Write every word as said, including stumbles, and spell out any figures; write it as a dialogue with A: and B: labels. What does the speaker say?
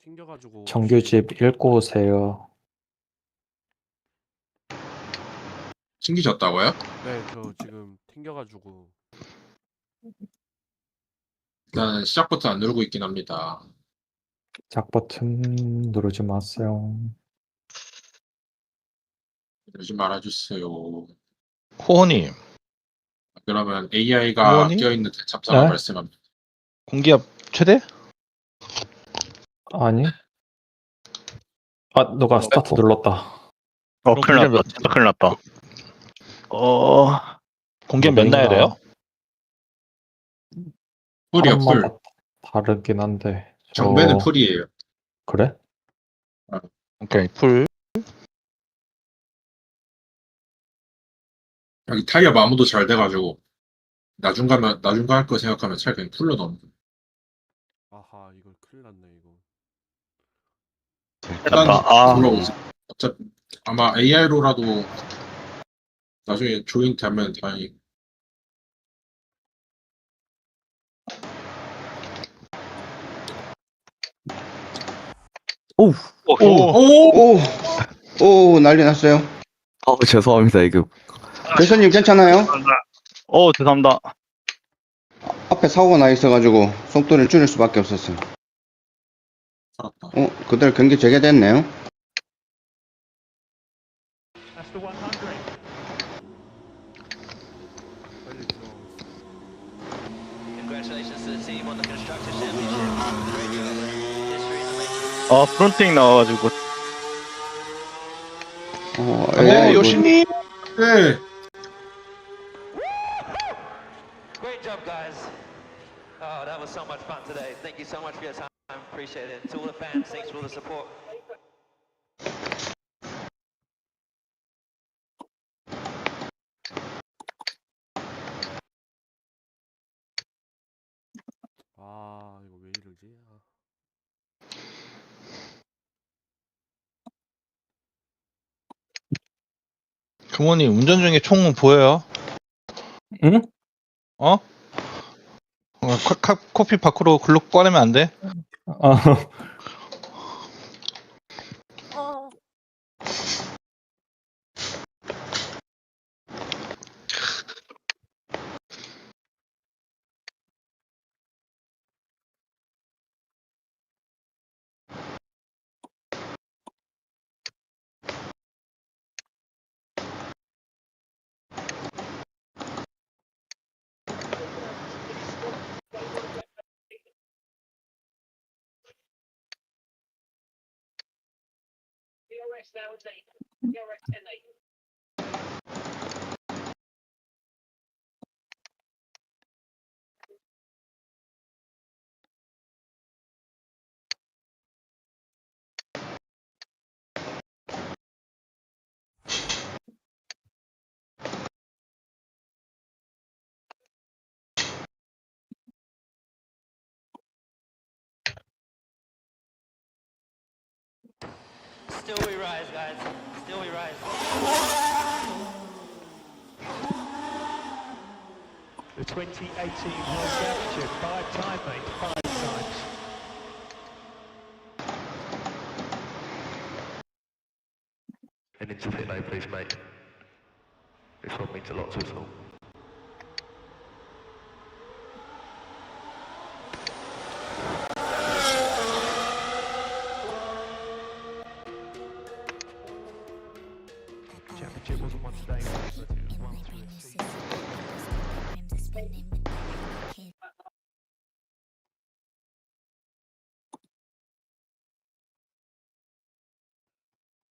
A: 튕겨가지고
B: 정규집 읽고 오세요.
C: 튕기셨다고요?
A: 네, 저 지금 튕겨가지고
C: 일단 시작부터 안 누르고 있긴 합니다.
B: 작 버튼 누르지 마세요.
C: 이러지 말아주세요.
D: 호호님,
C: 그러면 에이아이가
D: 부모님?
C: 껴있는 대참사가
B: 네?
C: 발생합니다.
D: 공기압 최대?
B: 아니? 아, 너가 스타트 눌렀다.
E: 어,
D: 그럼
E: 큰일
D: 공기압
E: 났다.
D: 몇-
E: 진짜 큰일 났다. 어,
D: 공기압 몇 나야 돼요?
C: 풀이요, 풀.
B: 사람마다 다르긴 한데. 저-
C: 정배는 풀이에요.
B: 그래?
D: 오케이, 풀.
C: 여기 타이어 마모도 잘 돼가지고 나중 가면 나중 갈 거 생각하면 차라리 그냥 풀로 넣으면 돼.
A: 아하 이걸 큰일 났네 이거.
C: 일단
E: 났다. 아,
C: 불러오세요. 어차피 아마 에이아이로라도 나중에 조인트 하면 다행히.
E: 오,
C: 오!
F: 오, 오, 난리 났어요.
G: 어, 죄송합니다. 이거
F: 대선님 괜찮아요?
E: 어, 죄송합니다.
F: 앞에 사고가 나 있어가지고 속도를 줄일 수밖에 없었어요.
C: 살았다.
F: 어, 그대로 경기 재개됐네요.
A: 빨리 들어.
H: Congratulations to the team on the Constructors Championship. History in the making.
E: 어, 프론팅 나와가지고.
F: 어,
D: 오,
F: 에이, 뭐,
D: 요시님!
C: 네.
H: Great job, guys. Oh, that was so much fun today. Thank you so much for your time. Appreciate it. To all the fans, thanks for all the support.
A: 아 이거 왜 이러지? 아.
D: 부모님, 운전 중에 총 보여요?
B: 응?
D: 어? 어, 카, 카, 코피 밖으로 글로 꺼내면 안 돼?
B: 아,
H: Still we rise, guys. Still we rise.
I: The twenty eighteen World Championship, five time, mate, five times.
J: And into pit lane, please, mate. This one means a lot to us all.
I: Championship wasn't one today, but it was one through the season.